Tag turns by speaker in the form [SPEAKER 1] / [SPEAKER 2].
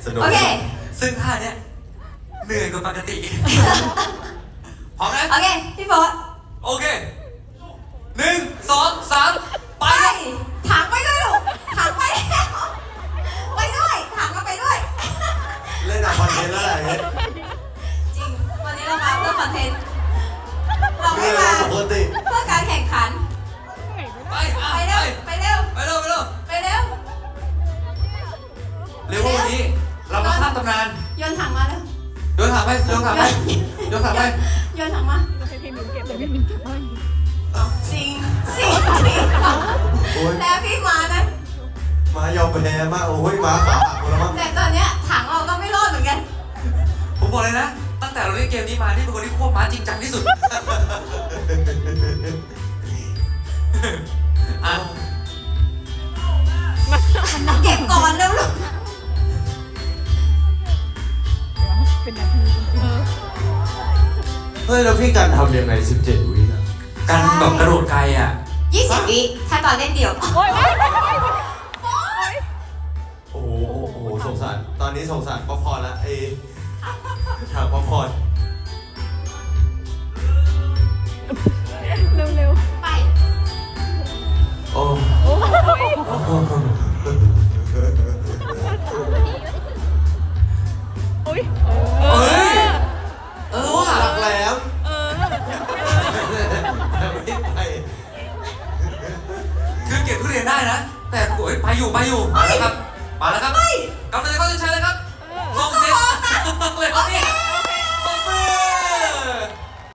[SPEAKER 1] นุก
[SPEAKER 2] โอเค
[SPEAKER 3] ซึ่งท่าเนี้ยเหนื่อยกว่าปกติพร้อมนะ
[SPEAKER 2] โอเค พี่โบ๊ท
[SPEAKER 3] โอเค1 2 3 ไป
[SPEAKER 2] ไปถังไปด้วยลูกถังไปแล้วไปด้วยถังก็ไปด้วย
[SPEAKER 1] เล่นอะคอนเทนต์แล้วแหละเนี่ย
[SPEAKER 2] จริง วันนี้เรามาเพื่อคอนเทนต์ เรา
[SPEAKER 1] เรื่
[SPEAKER 2] ไม่
[SPEAKER 1] อง
[SPEAKER 2] มา
[SPEAKER 1] ปกติ
[SPEAKER 2] เพื่อการแข่งขัน
[SPEAKER 3] ไป
[SPEAKER 2] ไปเร็ว ไปเร็ว
[SPEAKER 3] ไปเร็วไปเร็ว
[SPEAKER 2] ไปเร็ว
[SPEAKER 3] เร็วกว่าวันนี้เรามาข้ามตำนาน
[SPEAKER 2] โยนถังมาเร็ว
[SPEAKER 3] โยนถังไปโยนถังไปโยนถังไป
[SPEAKER 2] โยนถังมา
[SPEAKER 4] ให้พี่มิวเก็บเดี๋ยวพี่มิวเก็บให้
[SPEAKER 2] จริงสิ
[SPEAKER 1] โอ้ย
[SPEAKER 2] แล้วพี่มานะ
[SPEAKER 1] มายอมแพ้มากโอ้ยมาขาหักหมดแล้วมั้ง
[SPEAKER 2] แต่ตอนเนี้ยถังเราก็ไม่รอดเหมือนกัน
[SPEAKER 3] ผมบอกเลยนะ ตั้งแต่เราเล่นเกมนี้มานี่เป็นคนที่ควบม้าจริงจังที่สุดอ่ะ
[SPEAKER 2] เก็บก่อนเร็วลูก
[SPEAKER 4] เป็นนาทีเออ
[SPEAKER 1] เฮ้ยแล้วพี่กันทำยังไง17 วิอ่ะ
[SPEAKER 3] การแบบกระโดดไกลอ่ะ
[SPEAKER 2] 20 วิถ้าตอนเล่นเดี่ยว
[SPEAKER 4] โอ้ย
[SPEAKER 1] โอ้โหโอ้โหสงสารตอนนี้สงสารป๊อปคอร์นละฉากป๊อปคอร์น
[SPEAKER 4] เร็ว
[SPEAKER 2] ไป
[SPEAKER 1] โอ้
[SPEAKER 4] ๆโอ้ย โอ้ย
[SPEAKER 3] เอ้ย ว่ะ
[SPEAKER 1] หลักแหลม
[SPEAKER 4] เออ
[SPEAKER 1] ไม่ไป
[SPEAKER 3] คือเก็บทุเรียนได้นะ แต่โอ้ยไปอยู่มาแล้วครับมาแล้วครับกำลังจะเข้าเส้นชัยแล้วครับลงเส้นเลยครับนี่